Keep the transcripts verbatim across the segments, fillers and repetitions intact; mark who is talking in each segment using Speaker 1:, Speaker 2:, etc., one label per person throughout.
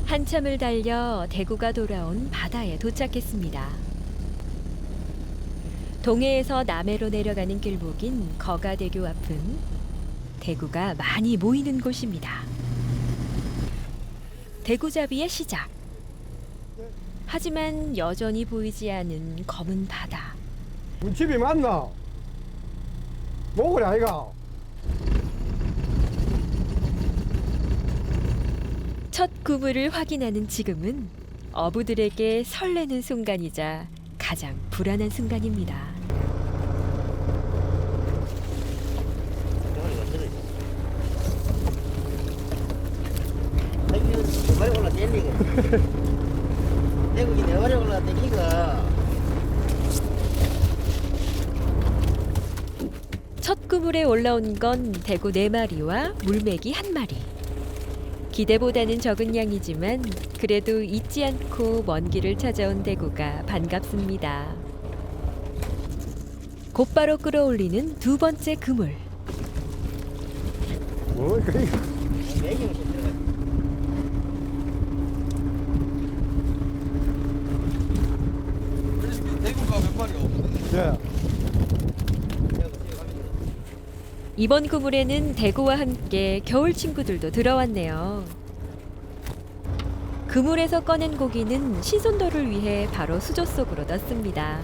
Speaker 1: 한참을 달려 대구가 돌아온 바다에 도착했습니다. 동해에서 남해로 내려가는 길목인 거가대교 앞은 대구가 많이 모이는 곳입니다. 대구잡이의 시작. 하지만 여전히 보이지 않은 검은 바다.
Speaker 2: 문집이 맞나? 뭐그래 아이가?
Speaker 1: 첫 그물을 확인하는 지금은 어부들에게 설레는 순간이자 가장 불안한 순간입니다.
Speaker 3: 내발이 올라 땡기고 내국이 내발이 올라 땡기고
Speaker 1: 첫 그물에 올라온 건 대구 네 마리와 물메기 한 마리. 기대보다는 적은 양이지만 그래도 잊지 않고 먼 길을 찾아온 대구가 반갑습니다. 곧바로 끌어올리는 두 번째 그물.
Speaker 2: 뭐 그래?
Speaker 3: 매경이 들어가
Speaker 4: 대구가 몇 마리가 없는데.
Speaker 2: 예.
Speaker 1: 이번 그물에는 대구와 함께 겨울 친구들도 들어왔네요. 그물에서 꺼낸 고기는 신선도를 위해 바로 수조 속으로 넣습니다.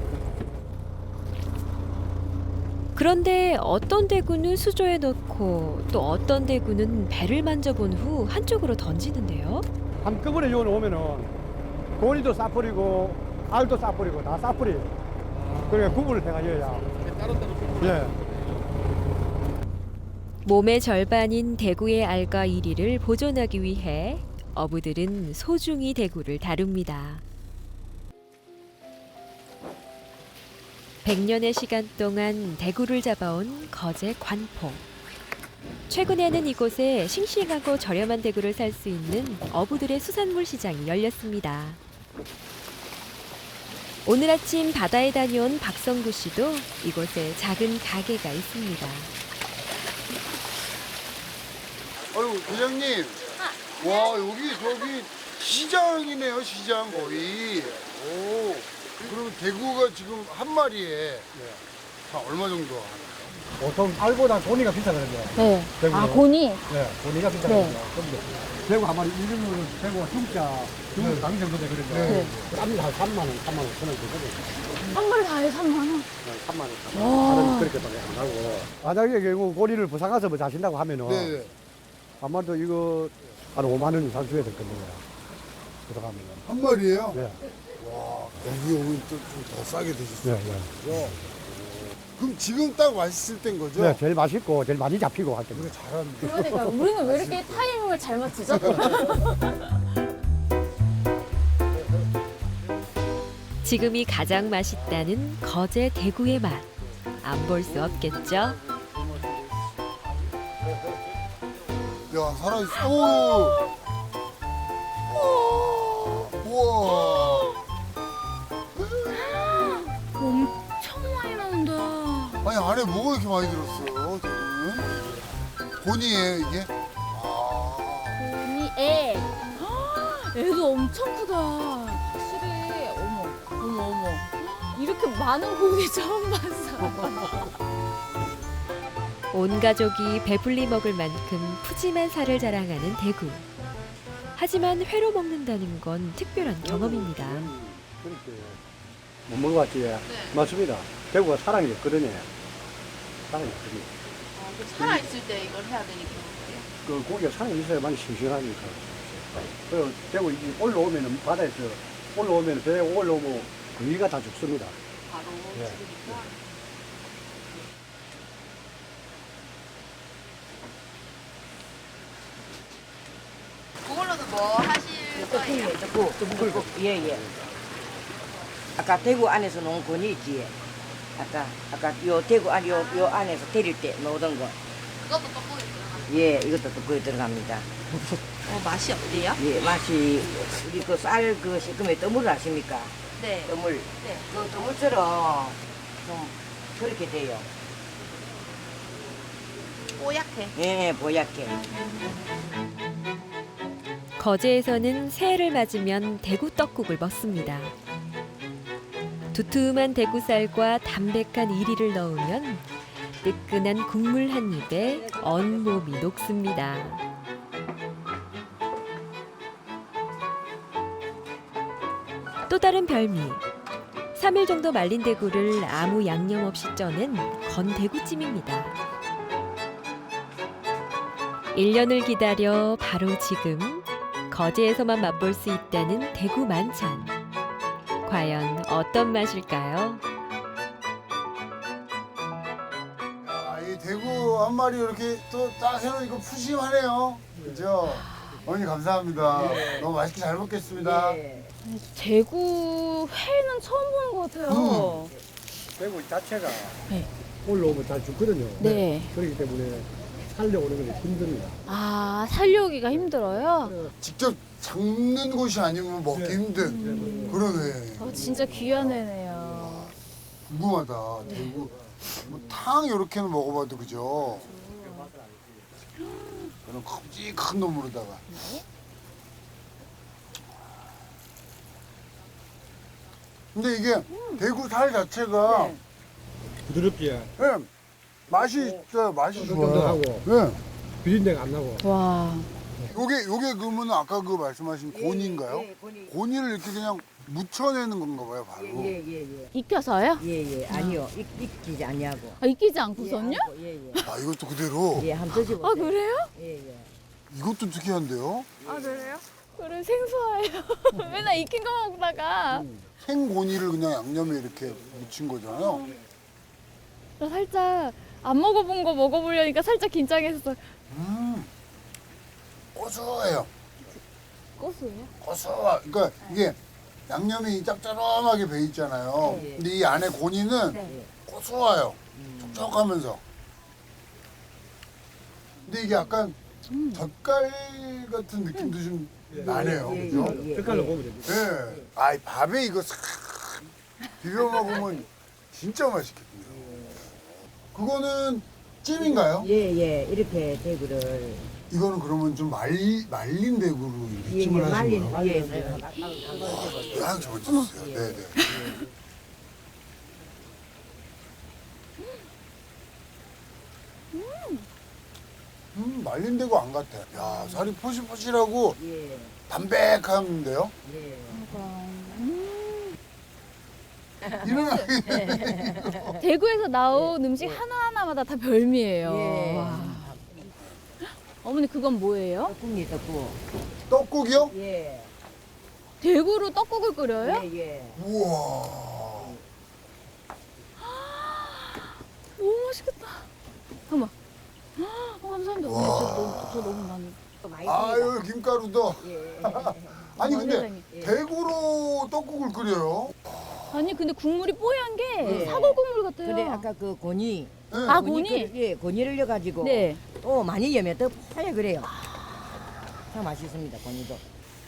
Speaker 1: 그런데 어떤 대구는 수조에 넣고 또 어떤 대구는 배를 만져본 후 한쪽으로 던지는데요.
Speaker 2: 한꺼번에 요원 오면은 고리도 싸버리고 알도 싸버리고 다 싸버리. 그러니까 구분을 해가지고야.
Speaker 4: 따로따로
Speaker 2: 예.
Speaker 1: 몸의 절반인 대구의 알과 이리를 보존하기 위해 어부들은 소중히 대구를 다룹니다. 백 년의 시간 동안 대구를 잡아온 거제 관포. 최근에는 이곳에 싱싱하고 저렴한 대구를 살 수 있는 어부들의 수산물 시장이 열렸습니다. 오늘 아침 바다에 다녀온 박성구 씨도 이곳에 작은 가게가 있습니다.
Speaker 5: 아유, 회장님. 와, 여기, 저기, 시장이네요, 시장 거의. 오. 그러면 대구가 지금 한 마리에 다 얼마 정도 하나요?
Speaker 2: 보통 알보다 고니가 비싸거든요.
Speaker 6: 네.
Speaker 2: 대구는.
Speaker 6: 아, 고니?
Speaker 2: 네, 고니가 비싸거든요. 근데 대구 한 마리 일등으로 대구가 중짜, 중국 당 정도 되거든요.
Speaker 5: 네.
Speaker 2: 땀이 한 삼만 원, 삼만 오천 원 되거든요.
Speaker 6: 한 마리 다해 삼만 원.
Speaker 2: 삼만 원. 다른 그렇게밖에 안 하고. 만약에 결국 고리를 부산 가서 뭐 자신다고 하면은
Speaker 5: 네.
Speaker 2: 아마도 이거 한 오만 원 이상 줘야 될 겁니다. 들어가면.
Speaker 5: 한 마리예요?
Speaker 2: 네.
Speaker 5: 와, 여기 오면 좀 더 싸게 드실
Speaker 2: 네,
Speaker 5: 수
Speaker 2: 네.
Speaker 5: 있죠? 그럼 지금 딱 맛있을 땐 거죠?
Speaker 2: 네, 제일 맛있고 제일 많이 잡히고 할
Speaker 5: 그래,
Speaker 2: 겁니다.
Speaker 5: 잘하는데.
Speaker 6: 그러니까 우리는 왜 이렇게 타이밍을 잘 맞추죠?
Speaker 1: 지금이 가장 맛있다는 거제 대구의 맛. 안 볼 수 없겠죠?
Speaker 5: 야, 살아있어. 오! 우와.
Speaker 6: 엄청 많이 나온다.
Speaker 5: 아니, 안에 뭐가 이렇게 많이 들었어요, 저는? 본이에요, 이게? 아.
Speaker 6: 고니 애. 애도 엄청 크다. 확실히 어머 어머 어머 이렇게 많은 고기 처음 봤어.
Speaker 1: 온 가족이 배불리 먹을 만큼 푸짐한 살을 자랑하는 대구. 하지만 회로 먹는다는 건 특별한 경험입니다.
Speaker 2: 그렇게 못 먹어봤지? 네. 맞습니다. 대구가 사랑이 없거든요. 사랑이 없거든요.
Speaker 7: 살아있을 때 이걸 해야 되니까.
Speaker 2: 그 고기가 사랑이 있어야만 싱싱하니까. 그리고 대구 이제 올라오면은 바다에서 올라오면 배에 올라오면 고기가 다 죽습니다.
Speaker 7: 바로
Speaker 2: 네.
Speaker 7: 죽으니까. 그걸로도 뭐 하실 거예요?
Speaker 3: 고 고 예예 아까 대구 안에서 놓은 건이 있지 아까 아까 요 대구 안 요 요 안에서 데릴 때 놓던 거
Speaker 7: 그것도 떡볶이 들어가요.
Speaker 3: 예, 이것도 떡국에 들어갑니다.
Speaker 7: 어, 맛이 어때요?
Speaker 3: 예, 맛이 우리 그 쌀 그 시금에 떠물 아십니까?
Speaker 7: 네.
Speaker 3: 떠물.
Speaker 7: 네.
Speaker 3: 그 떠물처럼 좀 그렇게 돼요.
Speaker 7: 뽀얗게.
Speaker 3: 예, 예, 보얗게.
Speaker 1: 거제에서는 새해를 맞으면 대구 떡국을 먹습니다. 두툼한 대구살과 담백한 이리를 넣으면 뜨끈한 국물 한 입에 온몸이 녹습니다. 또 다른 별미. 삼 일 정도 말린 대구를 아무 양념 없이 쪄낸 건대구찜입니다. 일 년을 기다려 바로 지금 거제에서만 맛볼 수 있다는 대구 만찬. 과연 어떤 맛일까요?
Speaker 5: 아, 이 대구 한 마리 이렇게 또 딱 해놓으니까 푸짐하네요. 그죠? 어머니 감사합니다. 너무 맛있게 잘 먹겠습니다.
Speaker 3: 예.
Speaker 6: 대구 회는 처음 보는 것 같아요.
Speaker 2: 대구 자체가
Speaker 6: 네.
Speaker 2: 올라오면 잘 죽거든요.
Speaker 6: 네.
Speaker 2: 그렇기 때문에 살려오는 건 힘듭니다.
Speaker 6: 아, 살려오기가 힘들어요?
Speaker 5: 직접 잡는 곳이 아니면 먹기
Speaker 2: 네.
Speaker 5: 힘든. 그러네.
Speaker 6: 어, 진짜 귀한 애네요.
Speaker 5: 궁금하다. 대구 뭐 탕 이렇게는 먹어봐도 그죠? 그런 큼직한 놈으로다가. 근데 이게 대구 살 자체가
Speaker 2: 부드럽게
Speaker 5: 네, 맛이 있어요. 맛이 좋아요.
Speaker 2: 쫀득하고.
Speaker 5: 네.
Speaker 2: 비린내가 안 나고.
Speaker 6: 와.
Speaker 5: 요게 요게 그러면 아까 그 말씀하신 곤인가요?
Speaker 3: 예, 곤이.
Speaker 5: 곤이를 이렇게 그냥 묻혀내는 건가 봐요, 바로.
Speaker 3: 예, 예, 예.
Speaker 6: 익혀서요?
Speaker 3: 예, 예. 아니요. 익, 익히지 아니하고.
Speaker 6: 아, 익히지 않고선요?
Speaker 3: 예, 예.
Speaker 5: 아, 이것도 그대로.
Speaker 3: 예, 한번 드셔보세요.
Speaker 6: 아, 그래요?
Speaker 3: 예, 예.
Speaker 5: 이것도 특이한데요?
Speaker 6: 아, 그래요? 그래, 생소해요. 맨날 익힌 거 먹다가.
Speaker 5: 생곤이를 그냥 양념에 이렇게 묻힌 거잖아요.
Speaker 6: 나 살짝 안 먹어본 거 먹어보려니까 살짝 긴장했어.
Speaker 5: 음, 고소해요.
Speaker 6: 고소해요?
Speaker 5: 고소하. 그러니까 이게 양념이 짭짤하게 배 있잖아요.
Speaker 3: 네.
Speaker 5: 근데 이 안에 곤이는
Speaker 6: 네.
Speaker 5: 고소해요. 촉촉하면서. 근데 이게 약간
Speaker 6: 음.
Speaker 5: 젓갈 같은 느낌도 좀 나네요.
Speaker 3: 예,
Speaker 5: 그죠?
Speaker 3: 예, 예.
Speaker 2: 색깔로 보면 됩니다.
Speaker 5: 네. 아, 이 밥에 이거 싹 비벼 먹으면 진짜 맛있겠네요. 그거는 찜인가요?
Speaker 3: 예, 예. 이렇게 대구를.
Speaker 5: 이거는 그러면 좀 말리, 말린 대구로 이렇게
Speaker 3: 예, 예.
Speaker 5: 찜을 하신
Speaker 3: 말린.
Speaker 5: 거예요?
Speaker 3: 예, 예. 한번 드셔보세요.
Speaker 5: 아, 저거 주세요. 네, 네. 음, 말린 대구 안 같아. 야, 살이 포실포실하고
Speaker 3: 예,
Speaker 5: 담백한데요?
Speaker 3: 예.
Speaker 5: 일어나게.
Speaker 6: 대구에서 나온 음식 하나하나마다 다 별미예요.
Speaker 3: 예.
Speaker 6: 와. 어머니 그건 뭐예요?
Speaker 3: 떡국이 떡국.
Speaker 5: 떡국이요?
Speaker 3: 예.
Speaker 6: 대구로 떡국을 끓여요?
Speaker 3: 예, 예.
Speaker 5: 우와.
Speaker 6: 너무 맛있겠다. 잠깐만. 어, 감사합니다. 어머니 저, 너무- 저 너무 많이.
Speaker 3: 또 많이
Speaker 5: 아유, 김가루도.
Speaker 3: 예.
Speaker 5: 아니, 근데
Speaker 6: 세상에.
Speaker 5: 대구로 떡국을 끓여요?
Speaker 6: 아니 근데 국물이 뽀얀 게
Speaker 3: 예.
Speaker 6: 사골 국물 같아요.
Speaker 3: 근데 아까 그 고니.
Speaker 5: 네.
Speaker 6: 아, 고니?
Speaker 3: 끓- 예, 고니를 넣어가지고.
Speaker 6: 네.
Speaker 3: 또 많이 여면 더 파여 그래요. 참 맛있습니다, 고니도.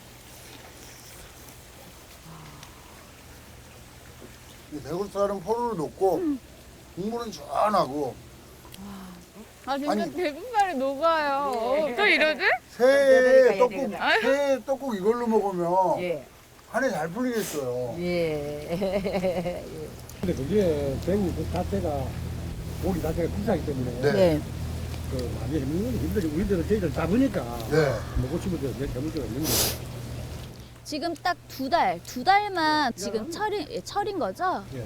Speaker 5: 이 대구살은 포로로 넣고 국물은 시원하고
Speaker 6: 아 진짜
Speaker 5: 아니.
Speaker 6: 대구살이 녹아요. 또 이러지?
Speaker 5: 새
Speaker 3: 예,
Speaker 5: 떡국
Speaker 3: 예,
Speaker 5: 새 떡국 이걸로 먹으면
Speaker 3: 예.
Speaker 5: 한 해 잘 풀리겠어요.
Speaker 3: 예.
Speaker 2: 근데 그게 대구 그 자체가 고기 자체가 비싸기 때문에
Speaker 5: 네.
Speaker 2: 그 많이 힘든 건 힘들지. 우리들은 저희들 잡으니까
Speaker 5: 네.
Speaker 2: 먹고 싶은 데내 잡을 수가 있는 거예요.
Speaker 6: 지금 딱 두 달, 두 달만 지금 철인 예, 철인 거죠?
Speaker 2: 예.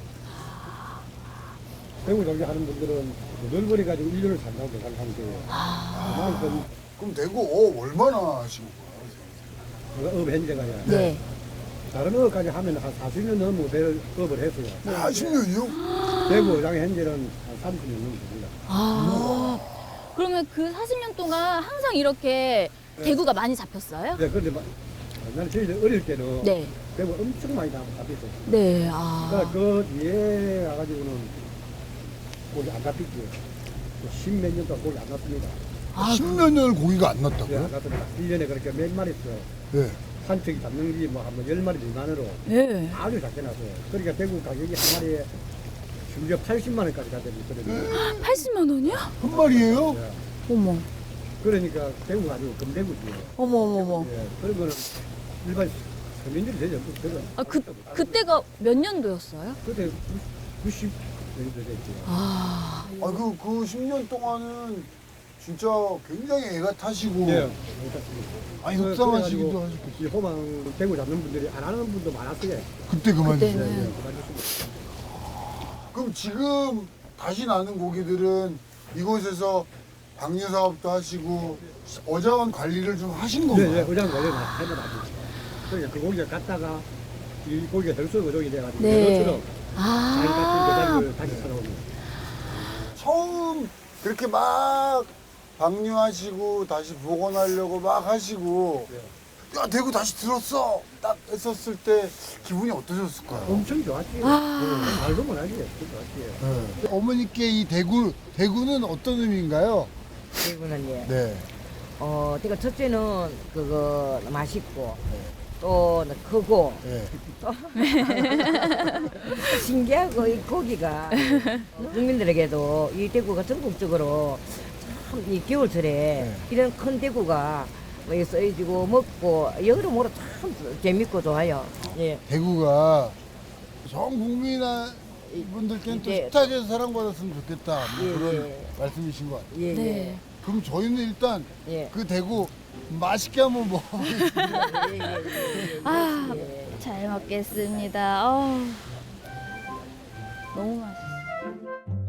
Speaker 2: 대구 경기 하는 분들은 넓어리 가지고 일 년을 산다고 생각하면 돼요. 그만큼
Speaker 5: 그럼 대구 어 얼마나 하신 거예요?
Speaker 2: 업 현재가야.
Speaker 6: 네.
Speaker 2: 다른 업까지 하면 한 사십 년 넘고 될 업을 했어요.
Speaker 5: 사십 년이요?
Speaker 2: 대구 어장 현재는 한 삼십 년 넘게 됩니다.
Speaker 6: 아. 그러면 그 사십 년 동안 항상 이렇게 대구가 많이 잡혔어요?
Speaker 2: 네, 그런데 막 옛날에 저희들 어릴 때는
Speaker 6: 네.
Speaker 2: 대구 엄청 많이 잡혔어요.
Speaker 6: 네. 아.
Speaker 2: 그러니까 그 뒤에 가가지고는 고기 안 잡혔죠. 십몇 년 동안 고기 안 났습니다.
Speaker 6: 아,
Speaker 5: 십몇 년을 고기가 안
Speaker 2: 네, 안
Speaker 5: 났다고요?
Speaker 2: 났습니다. 일 년에 그렇게 몇 마리 있어요.
Speaker 5: 네.
Speaker 2: 한척이 잡는 게 뭐 한 열 마리 미만으로
Speaker 6: 네.
Speaker 2: 아주 작게 났어요. 그러니까 대구 가격이 한 마리에 심지어 팔십만 원까지 가거든요.
Speaker 6: 팔십만 원이요?
Speaker 5: 한 마리예요?
Speaker 2: 네.
Speaker 6: 어머.
Speaker 2: 그러니까 대구가 아니고 금대구지.
Speaker 6: 어머 어머 어머.
Speaker 2: 예, 그런 거는 일반 서민들이 되죠. 그거
Speaker 6: 아 그 그때가 몇 년도였어요?
Speaker 2: 그때 구십 년도 됐죠.
Speaker 6: 아
Speaker 5: 아, 그, 그 십 년 동안은 진짜 굉장히 애가 타시고.
Speaker 2: 예.
Speaker 5: 아니,
Speaker 2: 그-
Speaker 5: 속상하시기도
Speaker 2: 그래가지고
Speaker 5: 하셨겠지.
Speaker 2: 이 호방 대구 잡는 분들이 안 하는 분도 많았어요.
Speaker 5: 그때 그만두세요.
Speaker 6: 그때는.
Speaker 2: 예, 그만두시고.
Speaker 5: 그럼 지금 다시 나는 고기들은 이곳에서 방류 사업도 하시고 어자원 관리를 좀 하신
Speaker 2: 네,
Speaker 5: 건가요?
Speaker 2: 네, 의장 원래 해마 나지. 그러니까 그 고기가 갔다가 이 고기가 덜수 어종이 돼가지고
Speaker 6: 네.
Speaker 2: 그것처럼 자기 같은
Speaker 6: 아
Speaker 2: 그 자리를 다시 살아오는.
Speaker 5: 처음 그렇게 막 방류하시고 다시 복원하려고 막 하시고 야 대구 다시 들었어 딱 했었을 때 기분이 어떠셨을까요?
Speaker 2: 엄청 좋았지.
Speaker 6: 아.
Speaker 2: 네, 말도 못하지. 좋았지.
Speaker 5: 어머니께 이 대구 대구는 어떤 의미인가요?
Speaker 3: 대구는 예.
Speaker 5: 네.
Speaker 3: 어, 대구 첫째는 그거 맛있고 또 크고
Speaker 5: 네.
Speaker 3: 신기하고 이 고기가 국민들에게도 이 대구가 전국적으로 참 이 겨울철에
Speaker 5: 네.
Speaker 3: 이런 큰 대구가 뭐 써지고 먹고 여러모로 참 재밌고 좋아요. 예.
Speaker 5: 대구가 전 국민 분들께는 또
Speaker 3: 이제-
Speaker 5: 식탁에서 사랑받았으면 좋겠다 뭐
Speaker 3: 예,
Speaker 5: 그런
Speaker 3: 예.
Speaker 5: 말씀이신 것 같아요.
Speaker 3: 예,
Speaker 6: 네.
Speaker 5: 그럼 저희는 일단
Speaker 3: 예.
Speaker 5: 그 대구 맛있게 한번 먹어보겠습니다.
Speaker 3: 예, 예, 예, 예,
Speaker 6: 아,
Speaker 3: 예.
Speaker 6: 잘 먹겠습니다. 어, 너무 맛있어.